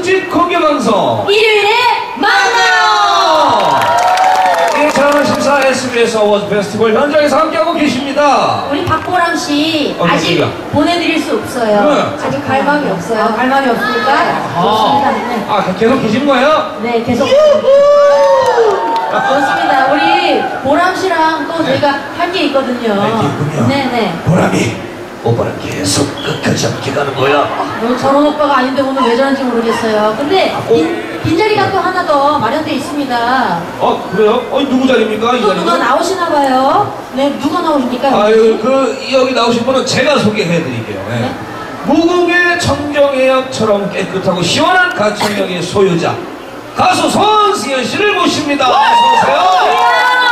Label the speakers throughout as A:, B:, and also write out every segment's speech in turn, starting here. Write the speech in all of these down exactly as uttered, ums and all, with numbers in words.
A: 특집 공개 방송
B: 일요일에 만나요.
A: 이천십사 에스비에스 어워즈 페스티벌 현장에서 함께하고 계십니다.
B: 우리 박보람 씨
A: 어,
B: 아직
A: 그러니까.
B: 보내드릴 수 없어요.
A: 네.
B: 아직 갈 마음이 없어요. 아, 갈 마음이 없으니까.
A: 아,
B: 네.
A: 아 계속 계신 거예요?
B: 네, 계속. 그렇습니다. 우리 보람 씨랑 또
A: 네.
B: 저희가 할 게 있거든요.
A: 네, 있군요.
B: 네네.
A: 보람이 오빠랑 계속 끝까지 함께 가는 거야.
B: 너 저런 오빠가 아닌데 오늘 왜 저런지 모르겠어요. 근데 빈, 빈자리가 또 하나 더 마련돼 있습니다.
A: 어 그래요? 어 누구 자리입니까? 이
B: 또
A: 자리는?
B: 누가 나오시나 봐요. 네, 누가 나오십니까?
A: 아유 그 여기 나오신 분은 제가 소개해드릴게요. 네.
B: 네?
A: 무궁의 청정해역처럼 깨끗하고 시원한 가창력의 소유자 가수 손승연 씨를 모십니다. 어서 오세요.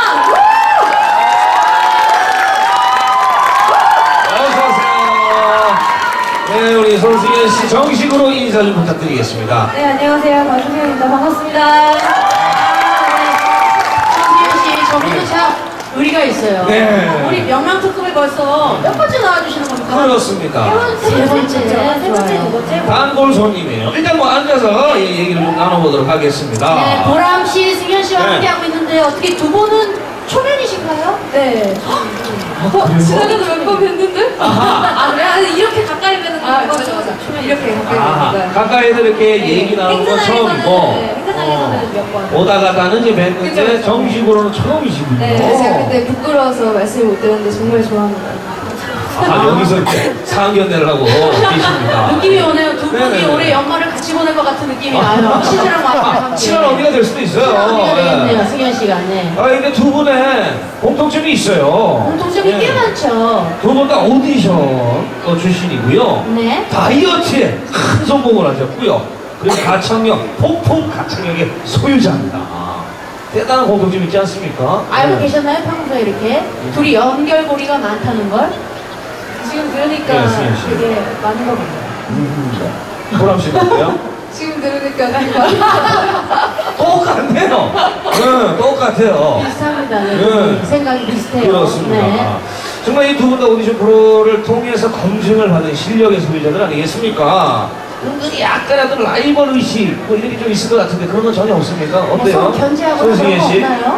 A: 어서 오세요. 네, 우리 손승연 씨 정식으로 인사 좀 부탁드리겠습니다.
B: 네, 안녕하세요. 박승현입니다. 반갑습니다. 손승연 씨, 저분도 참 의리가 있어요.
A: 네.
B: 우리 명랑특급에 벌써 몇 번째 나와주시는 겁니까?
A: 그렇습니다.
B: 세 번째, 세 번째, 두 번째.
A: 단골 손님이에요. 일단 뭐 앉아서 이 얘기를 좀 나눠보도록 하겠습니다.
B: 네, 보람 씨, 승현 씨와
A: 네.
B: 함께하고 있는데 어떻게 두 분은 초면이신가요? 네.
A: 어,
B: 지난해도 몇 번 뵀는데? 아, 그래? 아, 이렇게 가까이 뵈는 거.
C: 아, 맞아, 맞아. 초면 이렇게 가까이
A: 아,
C: 뵈니까.
A: 가까이서 이렇게 얘기 나누는 건 처음이고
C: 네, 행사장에서는 몇 번.
A: 오다 가다는 이제 뵀는데
C: 그쵸, 그쵸.
A: 정식으로는 처음이시군요.
C: 네, 제가 그때 부끄러워서 말씀을 못 드렸는데 정말 좋아합니다.
A: 아, 여기서 이렇게 상견례를 하고 계십니다.
B: 느낌이 오네요. 두 분이
A: 네네네.
B: 올해 연말을 같이 보낼 것 같은 느낌이 나요. 치즈랑 와이프랑 함께.
A: 친한 언니가 될 수도 있어요.
B: 친한 언니가
A: 네.
B: 되겠네요, 승현 씨가. 네.
A: 아, 근데 두 분의 공통점이 있어요.
B: 공통점이
A: 네.
B: 꽤 많죠.
A: 두 분 다 오디션 어, 출신이고요.
B: 네.
A: 다이어트에 큰 성공을 하셨고요. 그리고 가창력, 폭풍 가창력의 소유자입니다. 대단한 공통점 있지 않습니까?
B: 알고
A: 네.
B: 계셨나요? 평소에 이렇게? 둘이 연결고리가 많다는 걸?
C: 지금 들으니까
A: 네, 승현 씨.
C: 되게 많은 것 같아요.
A: 음, 보람 씨가 어때요?
C: 지금 들으니까 되게 많은 것 같아요.
A: 똑같네요. 네, 똑같아요.
B: 비슷합니다. 네.
A: 네.
B: 생각이 비슷해요.
A: 그렇습니다.
B: 네.
A: 정말 이 두 분 다 오디션 프로를 통해서 검증을 받은 실력의 소유자들 아니겠습니까? 은근히 약간이라도 라이벌 의식 뭐 이런 게 좀 있을 것 같은데 그런 건 전혀 없습니까? 어때요?
B: 서로 견제하고 그런
A: 손승연
B: 거
A: 씨?
B: 없나요?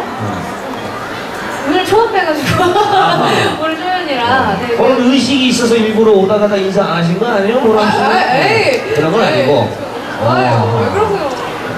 C: 오늘 처음 뵈가지고 오늘 초면이라. 네,
A: 그런 의식이 있어서 일부러 오다 가다 인사 안 하신 거 아니에요? 보람 씨?
C: 아, 에이.
A: 그런 건
C: 에이,
A: 아니고.
C: 좋아요.
A: 어.
C: 왜 그러세요?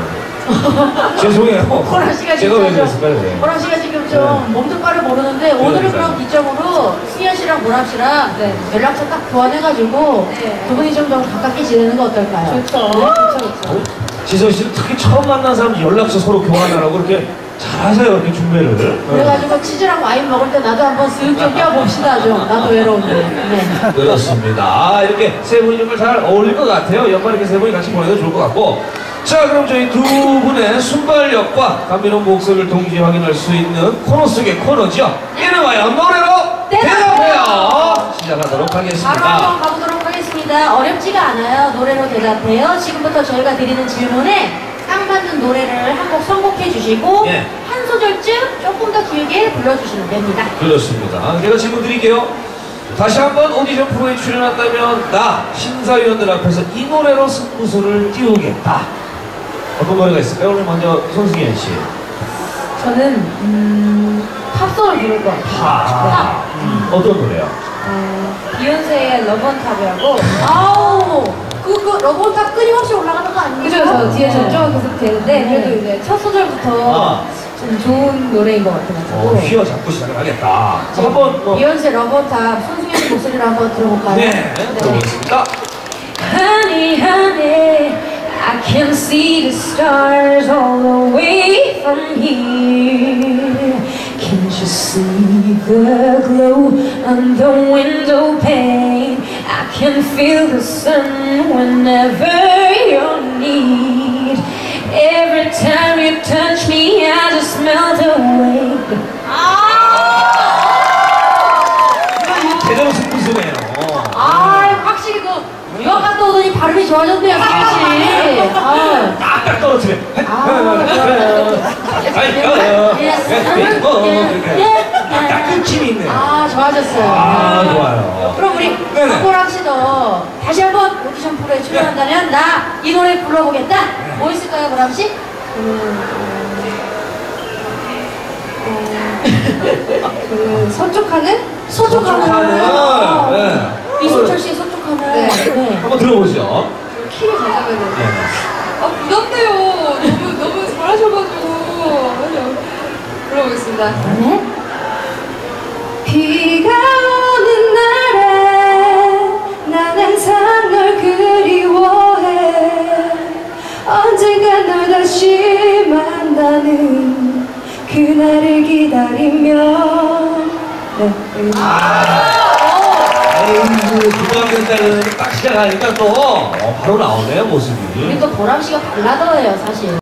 A: 죄송해요.
B: 보람 씨가
A: 제가
B: 지금
A: 왜
B: 좀-
A: 그랬을까요? 네.
B: 보람 씨가 지금 좀 몸도 빠를 모르는데 오늘은
A: 그러니까요.
B: 그럼 기점으로 승현 씨랑 보람 씨랑
C: 네.
B: 연락처 딱 교환해가지고
C: 네.
B: 두 분이 좀 더 가깝게 지내는 거 어떨까요?
C: 좋죠. 좋죠, 좋죠.
A: 지선 씨는 특히 처음 만난 사람 연락처 서로 교환하라고 그렇게 잘하세요, 이렇게 준비를. 네.
B: 그래가지고 치즈랑 와인 먹을 때 나도 한번 쓱 좀 껴봅시다 좀. 나도 외로운데. 네.
A: 그렇습니다. 아, 이렇게 세 분이 정말 잘 어울릴 것 같아요. 연말 이렇게 세 분이 같이 보내도 좋을 것 같고. 자, 그럼 저희 두 분의 순발력과 감미로운 목소리를 동시에 확인할 수 있는 코너 속의 코너죠. 이름하여 노래로 대답해요. 시작하도록
B: 바로
A: 하겠습니다.
B: 한번 가보도록 하겠습니다. 어렵지가 않아요. 노래로 대답해요. 지금부터 저희가 드리는 질문에 딱 맞는 노래를 한 곡 선곡해 주시고
A: 예.
B: 한 소절쯤 조금 더 길게 불러주시면 됩니다.
A: 그렇습니다. 제가 질문 드릴게요. 다시 한번 오디션 프로에 출연한다면 나 심사위원들 앞에서 이 노래로 승부수를 띄우겠다. 어떤 노래가 있을까요? 오늘 먼저 손승연 씨.
C: 저는 음, 팝송을 부를 것 같아요.
A: 아, 음, 어떤 노래요?
C: 어, 비욘세의 러브온탑이라고.
B: 아우, 그, 그 러브온탑 끊임없이 올라가는 거 아닙니까?
C: 그죠? 저 뒤에
B: 네.
C: 전주가 계속 되는데
B: 네.
C: 그래도 이제 첫 소절부터
A: 아.
C: 좀 좋은 노래인 것 같아가지고.
A: 어, 휘어잡고 시작을 하겠다. 자, 한번 뭐,
B: 비욘세 러브온탑 손승연 씨 목소리로 한번 들어볼까요?
A: 네, 들어보겠습니다.
C: Honey, honey, I can see the stars all the way from here. Can't you see the glow on the window pane? I can feel the sun whenever you're near. Every time you touch me, I just melt away.
A: 제대로 승부수네요.
B: 아, 확실히 그 유학 갔다 오더니 발음이 좋아졌네요, 승현 씨. 아,
A: 딱딱 떨어뜨려.
B: 아,
A: 딱 끊김이 있네요.
B: 아, 좋아졌어요.
A: 아, 좋아요.
B: 그럼 우리
A: 네네.
B: 박보람 씨도 다시 한번 오디션 프로에 출연한다면 나 이 노래 불러보겠다. 뭐 있을까요, 보람 씨? 음,
C: 그 서쪽하늘?
B: 서쪽하늘.
A: 서쪽하늘. 네.
B: 이승철 씨의 서쪽하늘.
C: 네.
B: 네.
A: 한번 들어보죠.
C: 키를 가져가야 되는데.
A: 네.
C: 아 부담돼요. 너무 너무 잘하셔가지고. 아니요. 불러보겠습니다.
B: 네.
C: 비가 오는 날에 난 항상 널 그리워해. 언젠가 널 다시 만나는 그날을 기다리며. 네.
A: 에이, 부담된다는 딱 시작하니까 또 어, 바로 나오네요, 모습이.
B: 우리 또 보람 씨가 발라더예요, 사실.